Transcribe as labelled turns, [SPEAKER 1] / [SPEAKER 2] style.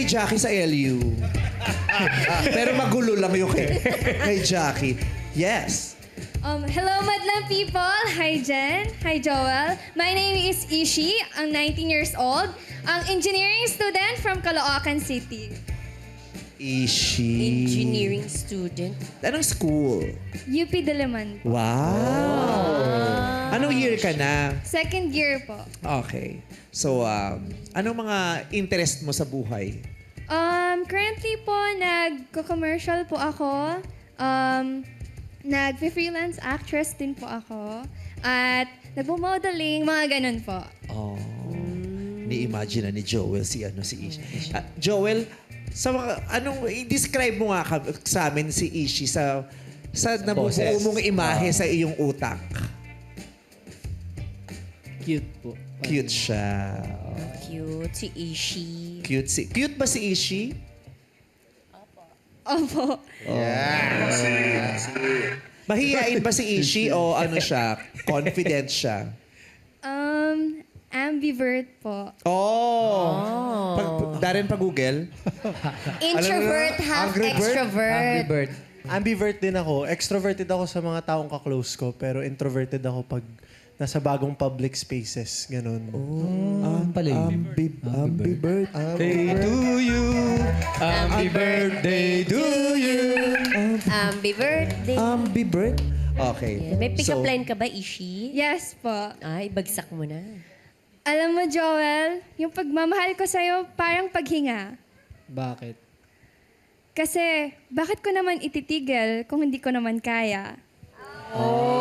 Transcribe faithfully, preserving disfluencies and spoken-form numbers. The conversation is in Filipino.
[SPEAKER 1] kay Jackie sa L U. Pero magulo lang yung kay, kay Jackie. Yes.
[SPEAKER 2] Um, hello, Madlang people! Hi, Jen. Hi, Joel. My name is Ishi. I'm nineteen years old. Ang engineering student from Caloocan City.
[SPEAKER 1] Ishi.
[SPEAKER 3] Engineering student.
[SPEAKER 1] Anong school?
[SPEAKER 2] U P Diliman.
[SPEAKER 1] Wow. Anong year ka na?
[SPEAKER 2] Second year po.
[SPEAKER 1] Okay. So, um, anong mga interest mo sa buhay?
[SPEAKER 2] Um, currently po, nag-commercial po ako. Um, Nag-freelance actress din po ako. At nagpo-modeling, mga ganun po.
[SPEAKER 1] Oh. Ni-imagine na ni Joel si ano si Ishi. Ah, Joel, sa mga, anong, i-describe mo nga ka- sa amin si Ishi sa sa nabubuo
[SPEAKER 4] boses.
[SPEAKER 1] mong imahe sa iyong utak.
[SPEAKER 4] Cute po.
[SPEAKER 1] Cute siya.
[SPEAKER 3] Cute. Si Ishi.
[SPEAKER 1] Cute si Cute ba si Ishi?
[SPEAKER 2] Opo.
[SPEAKER 1] Mahihain ba si Ishi o ano siya? Confident siya?
[SPEAKER 2] Um, ambivert po.
[SPEAKER 1] Oh. Pag, Darren, pag-google.
[SPEAKER 3] Introvert, half
[SPEAKER 5] Angry bird?
[SPEAKER 3] extrovert.
[SPEAKER 4] Angry Bird.
[SPEAKER 5] Ambivert din ako. Extroverted ako sa mga taong ka-close ko, pero introverted ako pag nasa bagong public spaces. Ganon.
[SPEAKER 4] Ah, pala yun.
[SPEAKER 1] Ambi, ambivert.
[SPEAKER 4] Birthday to you. Happy birthday to you.
[SPEAKER 3] Happy birthday.
[SPEAKER 1] Ambivert? Okay.
[SPEAKER 3] May pick-up
[SPEAKER 1] So,
[SPEAKER 3] line ka ba, Ishi?
[SPEAKER 2] Yes po.
[SPEAKER 3] Ay, bagsak mo na.
[SPEAKER 2] Alam mo, Joel, yung pagmamahal ko sa'yo parang paghinga.
[SPEAKER 4] Bakit?
[SPEAKER 2] Kasi, bakit ko naman ititigil kung hindi ko naman kaya?
[SPEAKER 3] Oh.